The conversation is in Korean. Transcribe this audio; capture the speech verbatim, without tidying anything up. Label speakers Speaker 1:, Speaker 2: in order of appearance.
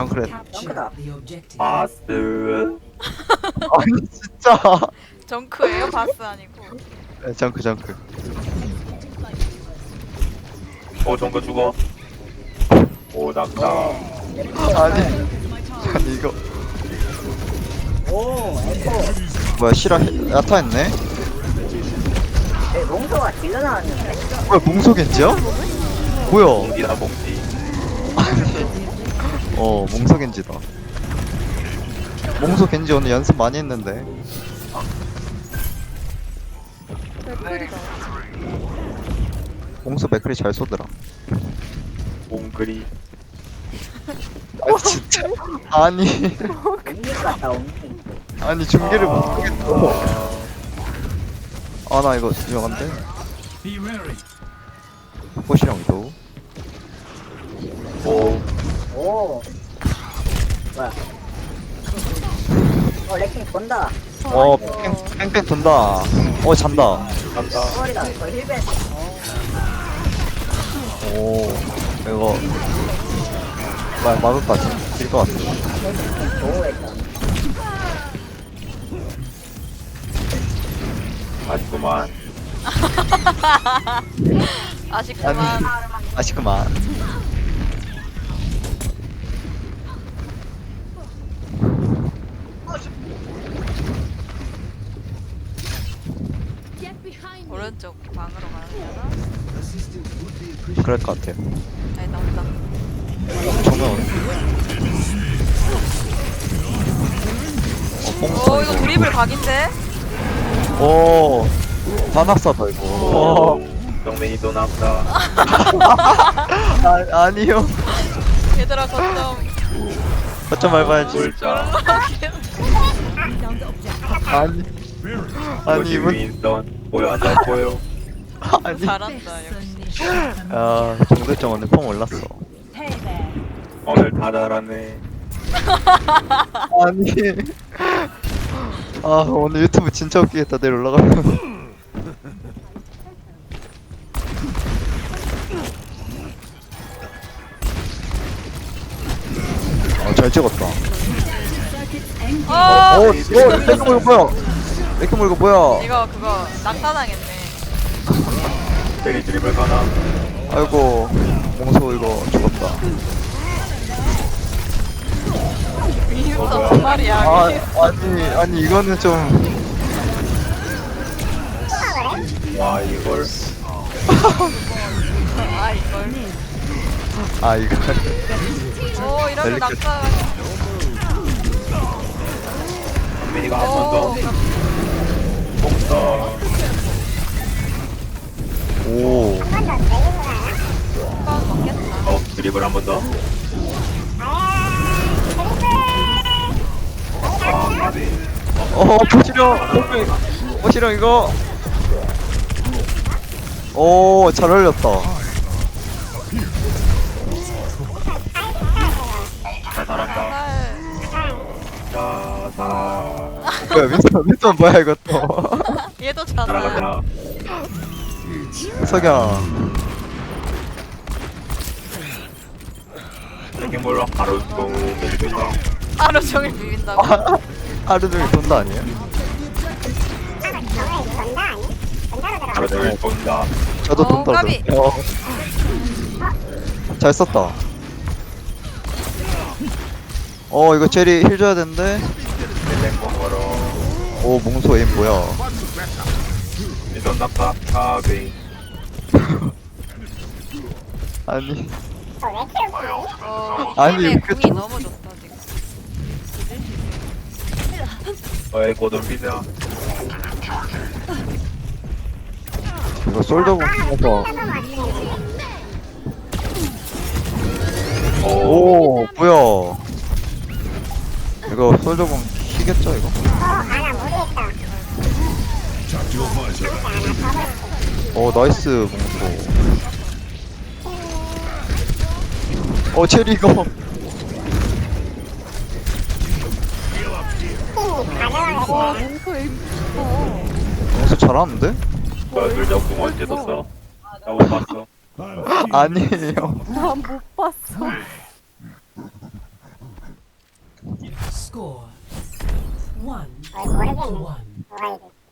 Speaker 1: 정크렛.
Speaker 2: 점크다.
Speaker 3: 바스.
Speaker 1: 아니 진짜.
Speaker 4: 정크예요? 바스 아니고.
Speaker 1: 네, 정크 정크.
Speaker 3: 어 정글 죽어. 오 낙타.
Speaker 1: 아니 아니 이거
Speaker 2: 오, 에코.
Speaker 1: 뭐야 실화 야타했네?
Speaker 2: 네, 롱소가 딜러 나왔는데.
Speaker 1: 뭐야 몽소겐지야? 뭐야?
Speaker 3: 이나 먹지.
Speaker 1: 어 몽소겐지다. 몽소겐지 오늘 연습 많이 했는데.
Speaker 4: 맥클이다.
Speaker 1: 몽소 맥클이 잘 쏘더라.
Speaker 3: 몽글이.
Speaker 1: 아 진짜. 아니
Speaker 2: 옴닉 같다, 옴닉.
Speaker 1: 아니 중계를 못 보겠어. 아 나 이거 유명한데? 꽃이랑 위도.
Speaker 3: 오.
Speaker 2: 오. 뭐야. 어, 레킹 본다.
Speaker 1: 어 뺑, 뺑뺑 돈다. 어 잔다.
Speaker 3: 간다.
Speaker 2: 서울이다. 저 힐벤.
Speaker 1: 오 이거 막 막을 것 같아. 딜것 같아.
Speaker 2: 레킹 보호했다.
Speaker 3: 아쉽구만.
Speaker 4: 아쉽구만.
Speaker 1: 아니 아쉽구만.
Speaker 4: 오른쪽 방으로 가려나?
Speaker 1: 그럴 것 같아요.
Speaker 4: 아니 나온다.
Speaker 1: 정면 오네. 어, 뽕
Speaker 4: 오 이거 드리블 각인데?
Speaker 1: 오, 단학사다 이거. 오.
Speaker 3: 정men이 또 나온다.
Speaker 1: 아, 아니요.
Speaker 4: 얘들아 거점.
Speaker 1: 어쩜 밟아야지.
Speaker 3: 물자.
Speaker 1: 아니, 아니
Speaker 3: 이것이
Speaker 1: 이분,
Speaker 3: 윈스턴. 보여 안잘 보여.
Speaker 1: 아니.
Speaker 4: 잘한다 역시.
Speaker 1: 아, 정대점 오늘 폼 올랐어.
Speaker 3: 오늘 다 잘하네.
Speaker 1: 아니. 아, 오늘 유튜브 진짜 웃기겠다. 내일 올라가면. 아, 잘 찍었다.
Speaker 4: 어
Speaker 1: 오, 오, 이렇게 물고 뭐야? 이렇게 물고 뭐야?
Speaker 4: 이거 그거 낙타당했네.
Speaker 3: 대리 드리블 가나.
Speaker 1: 아이고, 몽소 이거 죽었다.
Speaker 4: 윈스턴 두 마리야.
Speaker 1: 아, 아니, 아니 이거는 좀.
Speaker 3: 와 이걸.
Speaker 4: 아 이걸.
Speaker 1: 아 이거.
Speaker 4: 오 이러면
Speaker 1: 델리케이트.
Speaker 4: 낙타.
Speaker 3: 정men이가 한 번 더.
Speaker 4: 오
Speaker 3: 뽕다.
Speaker 1: 오.
Speaker 4: 습관 먹겠다.
Speaker 3: 어 드리블 한 번 더. 아 가비.
Speaker 1: 어, 보시령, 보시령 이거. 오, 잘 어울렸다.
Speaker 3: 잘 살았다.
Speaker 4: 살.
Speaker 3: 자자.
Speaker 1: 뭐야, 민선, 민선 뭐야 이것도.
Speaker 4: 얘도 잖아.
Speaker 3: 날아가자.
Speaker 1: 석양.
Speaker 3: 이렇게 몰라 바로 또 밀리다.
Speaker 4: 하루 종일 비빈다고.
Speaker 1: 아, 하루 종일 돈다 아니에요?
Speaker 3: 바로 내일 본다.
Speaker 1: 저도
Speaker 4: 어,
Speaker 1: 돈다.
Speaker 4: 까비.
Speaker 1: 어. 잘 썼다. 어, 이거 제리 힐 줘야 되는데.
Speaker 3: 땡거 걸어.
Speaker 1: 오, 몽소 에임 뭐야?
Speaker 3: 이전 낙타. 가비.
Speaker 1: 아니,
Speaker 4: 어,
Speaker 1: 아니,
Speaker 4: 아니
Speaker 1: 그
Speaker 4: 궁이
Speaker 1: 좀-
Speaker 4: 너무 좋다 지금.
Speaker 3: 너의 고돈 비자.
Speaker 1: 이거 솔더 공에서. 오, 뭐야? 이거 솔더 공 키겠죠 이거? 오, 나이스 몽소. 어, 체리 이거. 몽소 잘하는데?
Speaker 3: 뭐야 둘 다 공 언제 떴어? 나 못 봤어.
Speaker 1: 아니에요.
Speaker 5: 난 못 봤어. Score one
Speaker 6: 어, 모르겠네.
Speaker 5: to one.
Speaker 6: 뭐가 이래.